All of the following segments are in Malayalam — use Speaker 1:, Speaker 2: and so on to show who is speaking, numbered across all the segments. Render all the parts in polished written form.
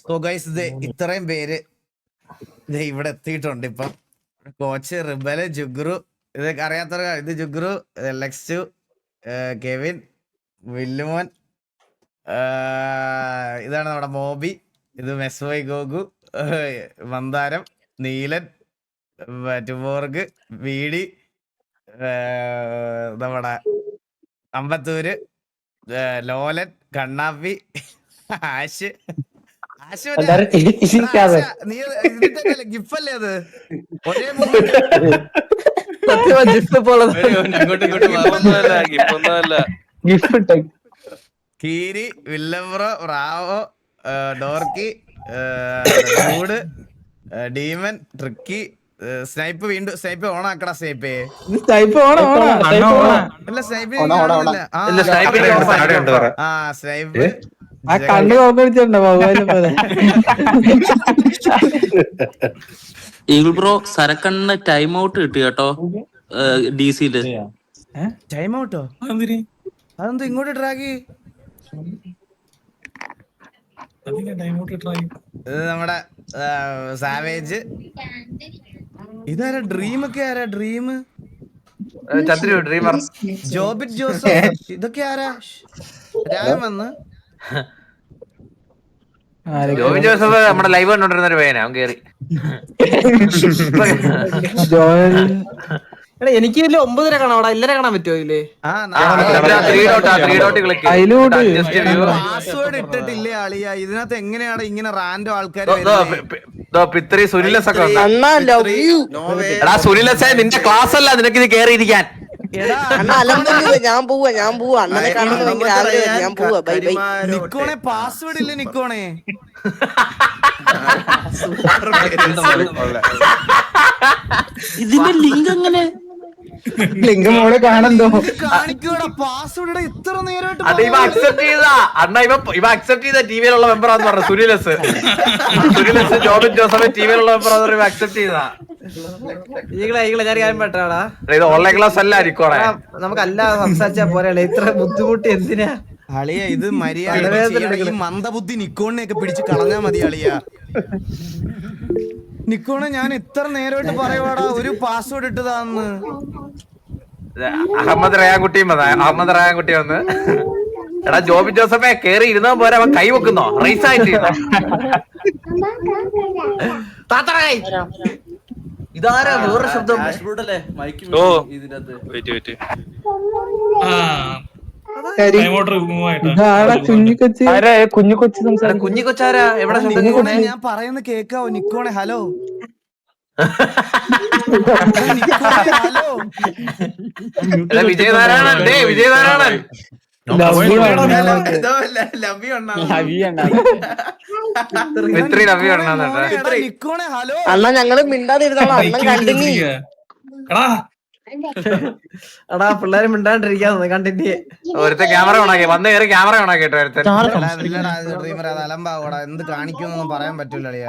Speaker 1: സോ ഗൈസ് ഇത് ഇത്രയും പേര് ഇവിടെ എത്തിയിട്ടുണ്ട്. ഇപ്പം കോച്ച് റിബല് ജുഗ്രു, ഇതൊക്കെ അറിയാത്തവർ ഇത് ജുഗ്രു, ലെക്സ്റ്റു, കെവിൻ, വില്ലുമോൻ, ഇതാണ് നമ്മുടെ മോബി, ഇത് മെസ്വൈ ഗോഗു, മന്ദാരം, നീലൻ, ടുബോർഗ്, വീടി, നമ്മുടെ അമ്പത്തൂര്, ലോലൻ, കണ്ണാപ്പി, ആശ്. നീ ഗിഫല്ലേ അത് ഒരേ കീരി, വില്ലംബ്രോ, റാവോ, dorky, dude, demon, tricky, snipe. വീണ്ടും സ്നൈപ്പ് ഓൺ ആക്കടാ. സ്നൈപ്പേ അല്ല സ്നൈപ്പ് സ്നൈപ്പ്
Speaker 2: കണ്ണു നോക്കിട്ടുണ്ടോ
Speaker 3: ഈഗിൾ ബ്രോ സരക്കണ്ണ ടൈം ഔട്ട് കിട്ടി കേട്ടോ ഡിസിയില്.
Speaker 1: ടൈം ഔട്ടോ? അതെന്തോ ഇങ്ങോട്ട് ട്രാക്ക്? ഇത് നമ്മുടെ സാവേജ്. ഇതാരാ? ഡ്രീം ഒക്കെ ആരാ? ഡ്രീം,
Speaker 4: ഡ്രീമർ,
Speaker 1: ജോബിറ്റ് ജോസഫ്, ഇതൊക്കെ ആരാ? രാമൻ വന്ന്
Speaker 4: ജോബിൻ ജോസഫ് നമ്മുടെ ലൈവ് കണ്ടോണ്ടിരുന്ന ഒരു പയ്യനാ, അവൻ കേറി.
Speaker 5: എനിക്ക് ഇതില് 9:30 കാണാം, അവിടെ 11:00 കാണാൻ പറ്റുമോ ഇതില്?
Speaker 1: പാസ്വേഡ് ഇട്ടിട്ടില്ലേ അളിയ? ഇതിനകത്ത് എങ്ങനെയാണ് ഇങ്ങനെ റാൻഡോ ആൾക്കാർ?
Speaker 4: സുനിലസ് ഒക്കെ എടാ, സുനിലസേ നിന്റെ ക്ലാസ് അല്ല, നിനക്ക് ഇത് കേറിയിരിക്കാൻ.
Speaker 6: ഞാൻ പോവാ അണ്ണനെ കാണുന്നത് ഭയങ്കര ആഗ്രഹം. ഞാൻ പോവാ, ബൈ ബൈ.
Speaker 1: നിക്കോണെ പാസ്വേഡ് ഇല്ലേ നിക്കോണെ?
Speaker 3: ഇതിന്റെ ലിങ്ക് എങ്ങനെ?
Speaker 2: ലിംഗം മോളെ കാണണ്ടോ?
Speaker 1: കാണിക്കൂടാ പാസ്വേഡ്. ഇത്ര നേരമായിട്ട്
Speaker 4: അത് ഇവ അക്സെപ്റ്റ് ചെയ്താ അണ്ണ, ഇവ അക്സെപ്റ്റ് ചെയ്ത ടിവിയിലുള്ള മെമ്പറാന്ന് പറഞ്ഞു. സുനിലസ് ജോബിൻ ജോസഫ് ടിവിയിലുള്ള മെമ്പറാന്ന് പറഞ്ഞു, അക്സെപ്റ്റ് ചെയ്താ.
Speaker 5: ഞാൻ കാര്യം പറ്റാടാ,
Speaker 4: ഇത് ഓൺലൈൻ ക്ലാസ് അല്ല ആയിരിക്കോടെ.
Speaker 5: നമുക്ക് അല്ലാതെ സംസാരിച്ചാ പോരാ, ഇത്ര ബുദ്ധിമുട്ട് എന്തിനാ
Speaker 1: അളിയ? ഇത് മര്യാദ ഈ മന്ദബുദ്ധി നിക്കോണിനെയൊക്കെ പിടിച്ച് കളഞ്ഞാ മതി അളിയ. നിക്കോണെ ഞാൻ ഇത്ര നേരമായിട്ട് പറയുവാടാ ഒരു പാസ്വേഡ് ഇട്ടതാന്ന്.
Speaker 4: അഹമ്മദ് റയാൻകുട്ടി വന്ന് എടാ ജോബിൻ ജോസഫെ കേറി ഇരുന്നാ പോരാ, അവൻ കൈ വെക്കുന്നോ? റൈസ് ആയിട്ട് ഇതാരാ? വേറെ ശബ്ദം. കുഞ്ഞിക്കൊച്ചാരാ? എവിടെ ശബ്ദം?
Speaker 1: ഞാൻ പറയുന്ന കേക്കാവോ നിക്കോണെ? ഹലോ
Speaker 4: വിജയനാരായണൻ, വിജയനാരായണൻ
Speaker 1: നിക്കോണെ ഹലോ.
Speaker 6: അണ്ണ ഞങ്ങള് മിണ്ടാതിരുന്നോളാം, അണ്ണൻ കണ്ടിന്യൂ.
Speaker 5: എടാ പിള്ളേരെ മിണ്ടാണ്ടിരിക്കാന്ന് കണ്ടിന്യൂ.
Speaker 4: ഒരുത്ത ക്യാമറ ഓണാക്കി വന്ന് കയറി ക്യാമറ ഓണാക്കിട്ടോ.
Speaker 1: അലമ്പാവോടാ, എന്ത് കാണിക്കുന്നൊന്നും പറയാൻ പറ്റൂല അളിയ.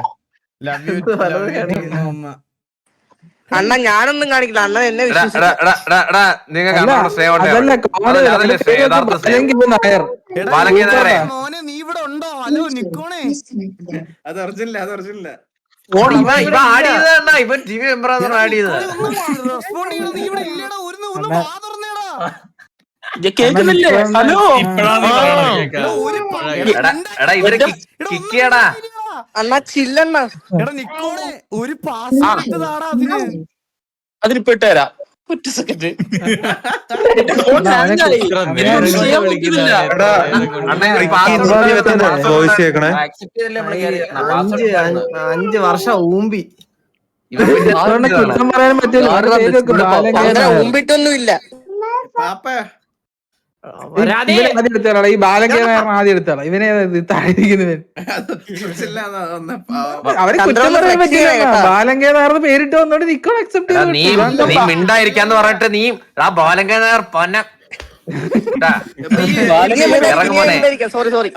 Speaker 6: അണ്ണ ഞാനൊന്നും കാണിക്കില്ല, അണ്ണൻ എന്നെ
Speaker 1: മോനെ നീ ഇവിടെ ഉണ്ടോ? ഹലോ നിക്കോണേ.
Speaker 7: അത് ഒറിജിനല്ല, അത് ഒറിജിനല്ല.
Speaker 4: ഇവൻ ടി വി മെമ്പറാണ് ആഡ് ചെയ്തത്.
Speaker 3: കേക്കുന്നില്ലേ? ഹലോ
Speaker 4: എടാ ഇവര് കിക്കിയടാ.
Speaker 6: അണ്ണ ചില്ലണ്ണ.
Speaker 1: എടാ നിക്കോണേ ഒരു പാസ് ഇട്ടതാടാ അതിന്.
Speaker 3: അതിനിപ്പോ ഇട്ടുതരാം, ഒറ്റ സെക്കൻഡ്.
Speaker 5: അഞ്ച് വർഷം ഊമ്പി
Speaker 2: കുറ്റം പറയാൻ പറ്റില്ല.
Speaker 6: മുമ്പിട്ടൊന്നുമില്ല.
Speaker 2: ഈ ബാലകേരള ആദ്യം എടുത്തോളാം. ഇവനെ താഴെയിരിക്കുന്നവൻ അവരെ കുറ്റം പറയാൻ പറ്റില്ല. ബാലങ്കേതാർന്ന് പേരിട്ട് വന്നോണ്ട് നിക്കോൺ അക്സെപ്റ്റ്
Speaker 4: നീ മിണ്ടായിരിക്കാന്ന് പറഞ്ഞിട്ട് നീ ആ ബാലങ്കേതാർ പൊന്ന
Speaker 6: സോറി സോറി.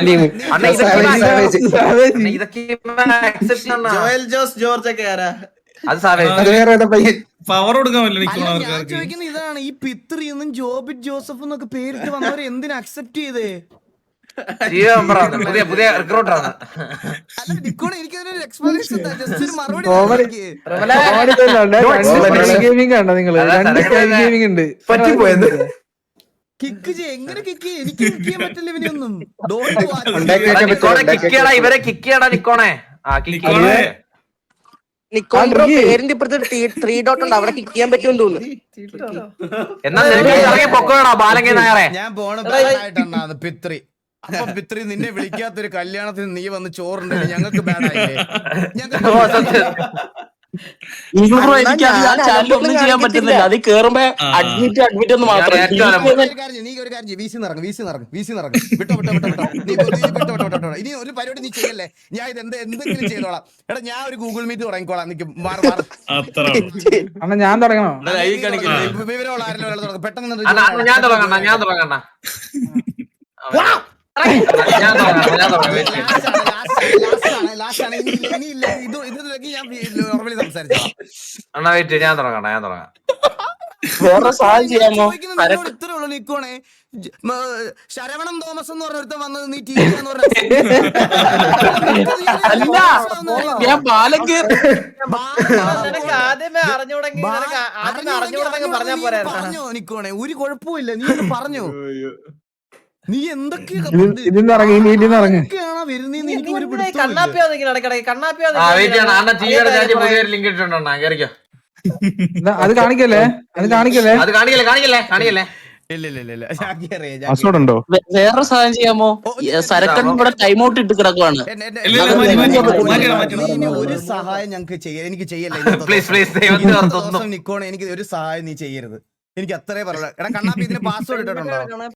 Speaker 7: ജോയൽ ജോസ് ജോർജ് ഒക്കെ ആരാ?
Speaker 4: അത് സാവേ
Speaker 7: അത് വേറെ ഏതാ പയ്യൻ?
Speaker 8: പവർ കൊടുക്കാൻ പറ്റില്ല
Speaker 1: അല്ല,
Speaker 8: നിൽക്കുന്ന
Speaker 1: ഞാൻ
Speaker 8: ആൾക്കാർക്ക്.
Speaker 1: ചോദിക്കുന്ന ഇതാണ്, ഈ പിത്രി എന്നും ജോബിറ്റ് ജോസഫ് എന്നൊക്കെ പേരിട്ട് വന്നവരെ എന്തിനാ അക്സെപ്റ്റ് ചെയ്തേ?
Speaker 4: ടീം മെമ്പറാണ്, പുതിയ റിക്രൂട്ടറാണ്.
Speaker 1: അല്ല നിക്കോണെ, എനിക്കതിനൊരു എക്സ്പ്ലനേഷൻ ജസ്റ്റ് ഒരു മറുപടി
Speaker 2: കോമഡി ഗെയിമിംഗ് കണ്ടോ നിങ്ങള്?
Speaker 4: അതാ
Speaker 2: രണ്ട്
Speaker 4: സരക്കണ്ണ
Speaker 2: ഗെയിമിംഗ് ഉണ്ട്.
Speaker 7: പറ്റിപ്പോയത്.
Speaker 1: കിക്ക് ചെയ്യ, എങ്ങനെ കിക്ക് ചെയ്യ? എനിക്ക് കിക്ക് ചെയ്യാൻ പറ്റില്ല ഇവനെയൊന്നും.
Speaker 4: നിക്കോണെ കിക്ക് ചെയ്യടാ, ഇവരെ കിക്ക് ചെയ്യടാ നിക്കോണെ. ആ കിക്ക്
Speaker 8: നിക്കോണെ.
Speaker 6: നിക്കോൺ ബ്രോ പേരിന്റെ ഇപ്പുറത്ത് 3 ഡോട്ട് ഉണ്ട്, അവിടെ കിക്ക് ചെയ്യാൻ പറ്റുമെന്ന് തോന്നുന്നു.
Speaker 4: എന്നാ നിനക്ക് ഇറങ്ങി പൊക്കോടാ ബാലങ്കി നായറെ.
Speaker 1: ഞാൻ പോണ ബാഡായിട്ടാണ് അത് പിത്രി. അപ്പൊ പിത്രി, നിന്നെ വിളിക്കാത്തൊരു കല്യാണത്തിന് നീ വന്ന് ചോറുണ്ടെങ്കിൽ ഞങ്ങൾക്ക് ബാഡായില്ലേ?
Speaker 4: ഓ, സത്യം.
Speaker 3: ബ്രോ എനിക്ക് ആ ചാനൽ ഒന്നും ചെയ്യാൻ പറ്റുന്നില്ല. അത് കേറുമ്പോ അഡ്മിറ്റ് ഒന്ന് മാത്രം.
Speaker 4: ഞാൻ
Speaker 1: നീ ഒരു കാര്യം ചെയ്യ്, വീസി നിറങ്ങും വിട്ടോ. നീ വിട്ടോ. ഇനി ഒരു പരിപാടി നീ ചെയ്യല്ലേ, ഞാൻ ഇത് എന്തെങ്കിലും ചെയ്തോളാം. എടാ, ഞാൻ ഒരു ഗൂഗിൾ മീറ്റ് തുടങ്ങിക്കോളാം. നിക്ക് മാറി
Speaker 8: അത്ര
Speaker 2: അണ്ണാ ഞാൻ തുടങ്ങണോ?
Speaker 1: വിവരമുള്ള ആരെങ്കിലും ഒരാൾ തുടങ്ങും. പെട്ടെന്ന്
Speaker 4: ഞാൻ തുടങ്ങണ്ട. ഞാൻ തുടങ്ങാം.
Speaker 1: ലാസ്റ്റ് ആണ്. ഇനിയില്ല, ഇതിലേക്ക് ഞാൻ നോർമലി സംസാരിച്ചോളാം.
Speaker 4: അണ്ണാ വെയിറ്റ്, ഞാൻ തുടങ്ങാം.
Speaker 3: വേറെ സഹായം ചെയ്യാമോ?
Speaker 1: ഇത്രേ ഉള്ളൂ നിക്കോണേ. ശരവണൻ തോമസ് എന്ന് പറഞ്ഞ ഒരുത്തൻ വന്നത് നീ TV എന്ന് പറഞ്ഞ
Speaker 3: അല്ല, ഞാൻ ബാലങ്കേ
Speaker 5: നിനക്ക് ആദ്യമേ അറിഞ്ഞുകൂടെങ്കിൽ പറഞ്ഞാ പോരാ.
Speaker 1: പറഞ്ഞോ നിക്കോണേ, ഒരു കുഴപ്പമില്ല, നീ ഒന്ന് പറഞ്ഞോ. നീ എന്തൊക്കെയാ
Speaker 2: ഇതിന്ന് ഇറങ്ങി, ഈ മീറ്റിന്ന് ഇറങ്ങി.
Speaker 1: വരുന്നേന്ന് എനിക്ക് ഒരു പിടുത്തവും
Speaker 5: കണ്ണാപ്പിയോ നിൽക്കണം ഇടയ്ക്കിടയ്ക്ക് കണ്ണാപ്പിയോ
Speaker 4: ആ വെയിറ്റ് ചെയ്യണം. അണ്ണാ ടിവിയുടെ ചാറ്റ് പുതിയൊരു ലിങ്ക് ഇട്ടിട്ടുണ്ടോ? കേറിക്കോ.
Speaker 2: അത് കാണിക്കല്ലേ?
Speaker 4: അത് കാണിക്കല്ലേ.
Speaker 1: ഇല്ല ഞാൻ കേറിയ
Speaker 7: പാസ്വേഡ് ഉണ്ടോ?
Speaker 3: വേറെ സഹായം ചെയ്യാമോ? സരക്കണ്ണൻ ഇവിടെ ടൈം ഔട്ട് ഇട്ട് കിടക്കുവാണ്.
Speaker 1: ഒരു സഹായം ഞങ്ങൾക്ക് എനിക്ക് ചെയ്യല്ലേ
Speaker 4: പ്ലീസ്
Speaker 1: നിക്കോണേ, എനിക്ക് ഒരു സഹായം നീ ചെയ്യരുത്. എനിക്ക് അത്രേ പറയുള്ളൂ. എടാ കണ്ണാപ്പി, ഇതിന് പാസ്വേഡ് ഇട്ടിട്ടുണ്ടോ?